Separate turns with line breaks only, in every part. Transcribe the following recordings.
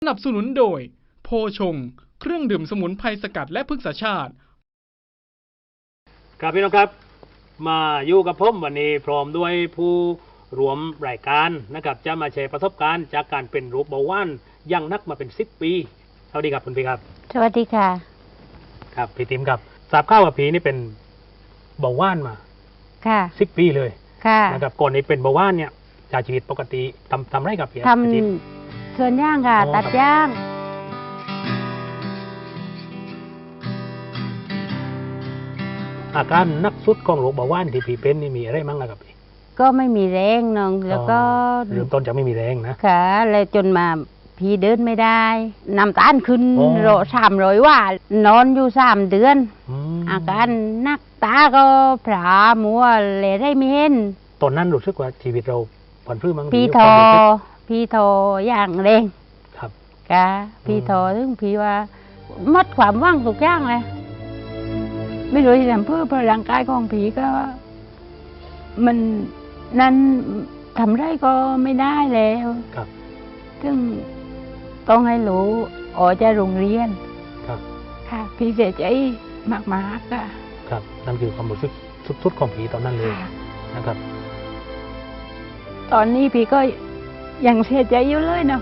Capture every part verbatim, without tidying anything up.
นับสนุนโดยโพชงเครื่องดื่มสมุนไพรสกัดและพฤกษชาติ
ครับพี่น้องครับมาอยู่กับผมวันนี้พร้อมด้วยผู้รวมรายการนะครับจะมาแชร์ประสบการณ์จากการเป็นโรคเบาหวานยังนักมาเป็นสิบปีสวัสดีครับคุณพี่ครับ
สวัสดีค่ะ
ครับพี่ติ๋มครับทราบข่าวว่าพี่นี่เป็นเบาหวานมา
ค่ะ
สิบปีเลย
ค่ะ
นะครับก่อนนี้เป็นเบาหวานเนี่ยใช้ชีวิตปกติทำทำไรกับพี่
ทำส่วนย่างค่ะตัดย่าง
อาการนักสุดของโรคเบาหวานที่พี่เป็นนี่มีอะไรมั่งนะครับพี่
ก็ไม่มีแรงน้องแล้วก็
เริ่มต้นจากไม่มีแรงนะ
ค่ะแล้วจนมาพี่เดินไม่ได้น้ำตาลขึ้นโรสามร้อยว่านอนอยู่สามเดือนอาการนักตาก็ผลามัวเลยได้ไม่เห็น
ตอนนั้นรู้สึกว่าชีวิตเราผ่อนพื้นมั้ง
พี่ทอพี่ทออย่างแรง
ครับ
กะพี่ทอถึงพี่ว่ามัดความว่างทุกอย่างเลยไม่รู้จะทำเพื่อพลังกายของผีก็มันนั้นทำไรก็ไม่ได้แล้ว
ครับ
ซึ่งต้องให้รู้ออกจากโรงเรียน
ครับ
ค่ะพี่เสียใจมากๆค่ะ
ครับนั่นคือความรู้สึกสุดๆของผีตอนนั้นเลยนะครับ
ตอนนี้พี่ก็ยังเสียใจอยู่เลยเนาะ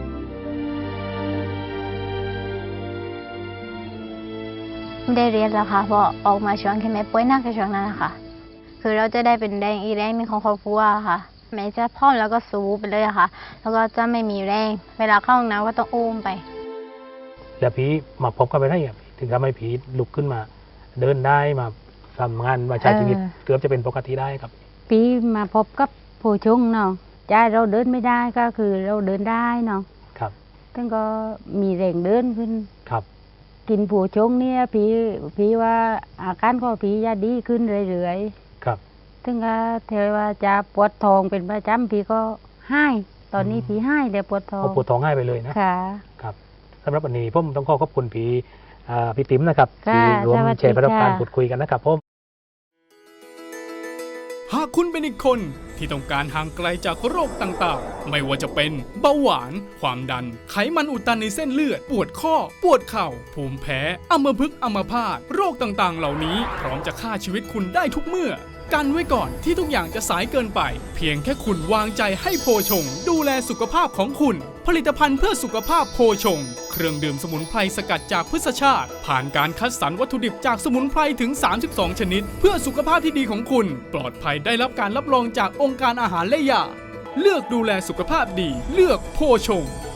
ไม่ได้เรียนแล้วค่ะเพราะออกมาช่วงที่แม่ป่วยหนักในช่วงนั้นนะคะคือเราจะได้เป็นแรงอีแรงมีของครอบครัวค่ะแม่จะพร้อมแล้วก็สู้ไปเลยค่ะแล้วก็จะไม่มีแรงเวลาเข้าห้องน้ำก็ต้องอุ้มไป
แล้วผีมาพบกันไปได้ยังถึงทำให้ผีลุกขึ้นมาเดินได้มาทำงานมาใช้ชีวิตเกือบจะเป็นปกติได้ครับ
ผีมาพบกับผู้ชงเนาะใจเราเดินไม่ได้ก็คือเราเดินได้เนาะ
ครับ
ท่านก็มีแรงเดินขึ้น
ครับ
กินผู้ชงเนี่ยผีผีว่าอาการของผีจะดีขึ้นเรื่อย
ๆครับ
ถึงก็เทว่าจะปวดท้องเป็นประจำผีก็ให้ตอนนี้ผีให้เดี๋ยวปวดท้อง
ปวดท้องให้ไปเลยนะ
ค่ะ
ครับสำหรับวันนี้ผมต้องขอขอบคุณผีพี่ติ๋มนะครับที่รวมแชร์ประสบการณ์พูดคุยกันนะครับผม
หากคุณเป็นอีกคนที่ต้องการห่างไกลจากโรคต่างๆไม่ว่าจะเป็นเบาหวานความดันไขมันอุดตันในเส้นเลือดปวดข้อปวดเข่าภูมิแพ้อัมพฤกษ์อัมพาตโรคต่างๆเหล่านี้พร้อมจะฆ่าชีวิตคุณได้ทุกเมื่อกันไว้ก่อนที่ทุกอย่างจะสายเกินไปเพียงแค่คุณวางใจให้โพชงดูแลสุขภาพของคุณผลิตภัณฑ์เพื่อสุขภาพโพชงเครื่องดื่มสมุนไพรสกัดจากพืชชาติผ่านการคัดสรรวัตถุดิบจากสมุนไพรถึงสามสิบสองชนิดเพื่อสุขภาพที่ดีของคุณปลอดภัยได้รับการรับรองจากองค์การอาหารและยาเลือกดูแลสุขภาพดีเลือกโพชง